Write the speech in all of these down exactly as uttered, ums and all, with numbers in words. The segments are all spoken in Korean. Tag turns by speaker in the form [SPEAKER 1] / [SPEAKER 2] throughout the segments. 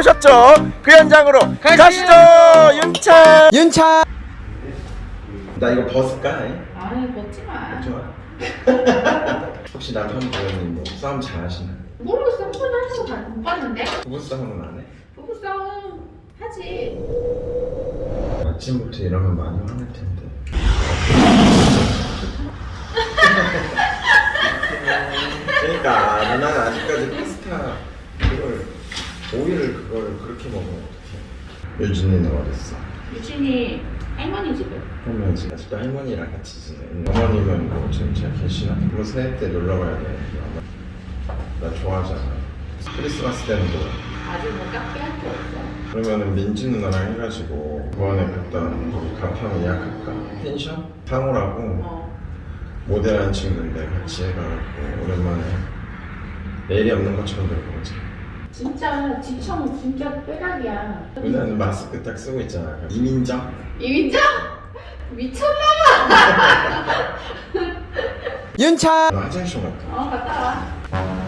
[SPEAKER 1] 보셨죠? 그 현장으로 가시죠. 윤차 윤차. 나 이거 벗을까?
[SPEAKER 2] 아니 벗지 마.
[SPEAKER 1] 좋아. 혹시 남편분이 뭐 싸움 잘하시나?
[SPEAKER 2] 모르겠어. 한 번도 한 번도 못 봤는데.
[SPEAKER 1] 부부 싸움은 안 해?
[SPEAKER 2] 부부 싸움 하지.
[SPEAKER 1] 아침부터 이러면 많이 화낼 텐데. 그러니까 누나는 아직까지 파스타 그걸 오이를 그걸 그렇게 먹으면 어떡해. 유진이는 어딨어?
[SPEAKER 2] 유진이 할머니 집에.
[SPEAKER 1] 할머니 집 아직도 할머니랑 같이 지내. 어머님은 뭐 지금 잘 계시나? 뭐 새해 때 놀러 가야 돼. 나 좋아하잖아. 크리스마스 때는 뭐
[SPEAKER 2] 아직 뭐 깎게 할 거 없어.
[SPEAKER 1] 그러면은 민지 누나랑 해가지고 부안에 갔던 거기 가평 예약할까? 펜션? 상호라고
[SPEAKER 2] 어.
[SPEAKER 1] 모델한 친구인데 같이 해가지고 오랜만에 내일이 없는 것처럼 놀고자.
[SPEAKER 2] 진짜 지청 진짜 빼락이야.
[SPEAKER 1] 누나는 마스크 딱 쓰고 있잖아. 이민정?
[SPEAKER 2] 이민정? 미쳤나?
[SPEAKER 1] 윤차! 나 화장실 갔다.
[SPEAKER 2] 어 갔다 와.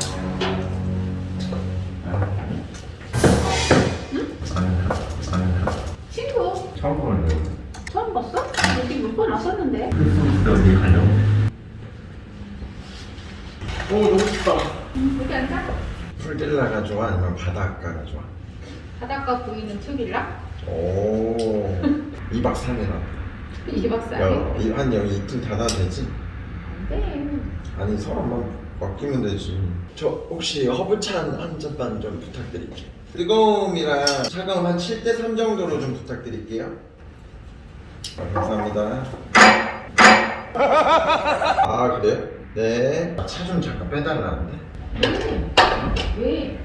[SPEAKER 2] 친구
[SPEAKER 3] 처음 보는데
[SPEAKER 2] 처음 봤어? 여기 몇 번 왔었는데.
[SPEAKER 3] 크리스마스 때 어디 가려고?
[SPEAKER 1] 오 너무 춥다.
[SPEAKER 2] 응, 여기 앉아.
[SPEAKER 1] 풀빌라가 좋아? 아니면 바닷가가 좋아?
[SPEAKER 2] 바닷가 보이는 투빌라?
[SPEAKER 1] 오 이박 삼일아.
[SPEAKER 2] 이박 사일?
[SPEAKER 1] 야, 이- 한 여기 이틀 닫아도 되지?
[SPEAKER 2] 안돼.
[SPEAKER 1] 아니 서로만 맡기면 되지. 저 혹시 허브찬 한 잔만 좀 부탁드릴게요. 뜨거움이랑 차가움 한 칠 대 삼 정도로 좀 부탁드릴게요. 아, 감사합니다. 아 그래요? 네. 차 좀 잠깐 빼달라는데.
[SPEAKER 2] 왜?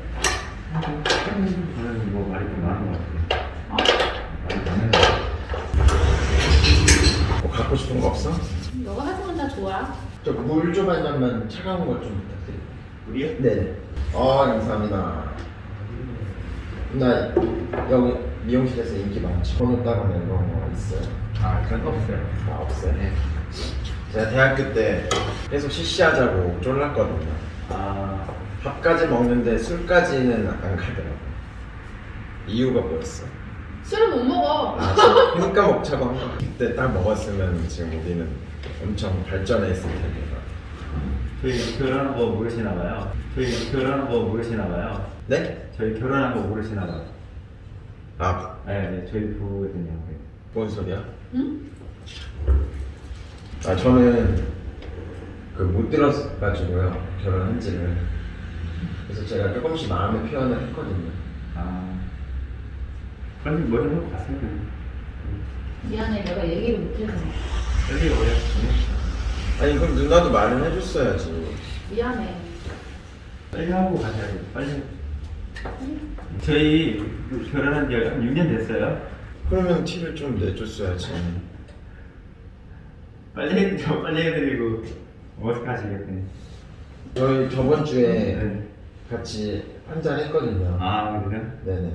[SPEAKER 3] 저는 뭐 말이 좀 많은 것 같아요.
[SPEAKER 2] 어?
[SPEAKER 3] 말이 많은
[SPEAKER 1] 뭐 갖고 싶은 거 없어?
[SPEAKER 2] 너가 하지만 나 좋아.
[SPEAKER 1] 저 물 좀 한 잔만 차가운 거 좀 부탁드릴게요.
[SPEAKER 3] 우리요?
[SPEAKER 1] 네. 아 감사합니다. 나 여기 미용실에서 인기 많죠. 번호 따로 낸거 뭐 있어요?
[SPEAKER 3] 아 그런 거 없어요.
[SPEAKER 1] 아 없어요?
[SPEAKER 3] 네.
[SPEAKER 1] 제가 대학교 때 계속 시시하자고 쫄랐거든요.
[SPEAKER 3] 아
[SPEAKER 1] 밥까지 먹는데 술까지는 안 가더라고. 이유가 뭐였어?
[SPEAKER 2] 술을 못 먹어.
[SPEAKER 1] 아 지금 그러니까 먹자고 한 거. 그때 딱 먹었으면 지금 우리는 엄청 발전해 있을 텐데.
[SPEAKER 3] 저희 결혼한 거 모르시나 봐요. 저희 결혼한 거 모르시나 봐요.
[SPEAKER 1] 네?
[SPEAKER 3] 저희 결혼한 거 모르시나 봐요.
[SPEAKER 1] 아,
[SPEAKER 3] 네, 네 저희 부부거든요.
[SPEAKER 1] 뭔 소리야?
[SPEAKER 2] 응?
[SPEAKER 1] 아 저는 그 못 들었가지고요 결혼한지를. 그래서 제가 조금씩 마음의 표현을 했거든요.
[SPEAKER 3] 아 빨리 머리 하고 갔어요.
[SPEAKER 2] 미안해, 내가 얘기를 못해서.
[SPEAKER 3] 빨리 오래.
[SPEAKER 1] 아니 그럼 누나도 말은 해줬어야지.
[SPEAKER 2] 미안해.
[SPEAKER 3] 빨리 하고 가셔야죠. 빨리. 저희 결혼한 지 한 육 년 됐어요.
[SPEAKER 1] 그러면 티를 좀 내줬어야지.
[SPEAKER 3] 빨리 해드리고 빨리 해드리고 어색하시겠네.
[SPEAKER 1] 저희 저번 주에
[SPEAKER 3] 네.
[SPEAKER 1] 같이 한잔 했거든요.
[SPEAKER 3] 아 그래요?
[SPEAKER 1] 네네.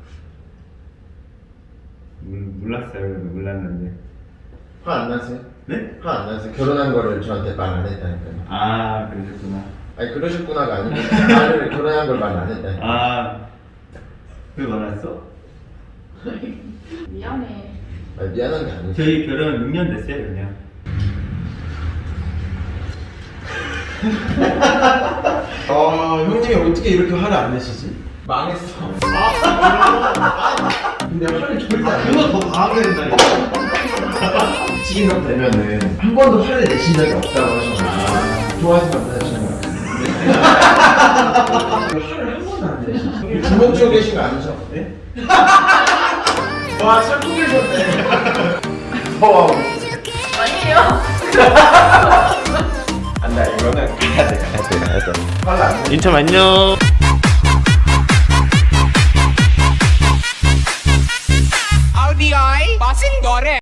[SPEAKER 3] 몰, 몰랐어요. 몰랐는데.
[SPEAKER 1] 화 안 나세요?
[SPEAKER 3] 네?
[SPEAKER 1] 화 안 나세요? 결혼한 거를 저한테 말 안 했다니까요.
[SPEAKER 3] 아 그러셨구나.
[SPEAKER 1] 아니 그러셨구나가 아니고 나를 결혼한 걸 말 안 했다니까요.
[SPEAKER 3] 아 왜 말했어?
[SPEAKER 2] 미안해.
[SPEAKER 1] 아니 미안한 게 아니죠.
[SPEAKER 3] 저희 결혼 육 년 됐어요 그냥.
[SPEAKER 1] 아 형님이 어떻게 이렇게 화를 안 내시지? 망했어. 근데 화를 절대 안 내.
[SPEAKER 3] 그거 더 강하게 된다니까.
[SPEAKER 1] 지금 되면은 한 번도 화를 내신 적이 없다고 하셨나요? 좋아하지 말라시는 거 같아요. 화를 한 번도 안 내시죠? 주먹 쥐고 계신 거 아니죠?
[SPEAKER 3] 네?
[SPEAKER 1] 와 참고 계셨네. 와
[SPEAKER 2] 아니에요.
[SPEAKER 1] 안돼 이거는 가야 돼 가야 돼 가야 돼. 화를 안 내.
[SPEAKER 4] 인천 안녕.
[SPEAKER 5] Audi bossing gore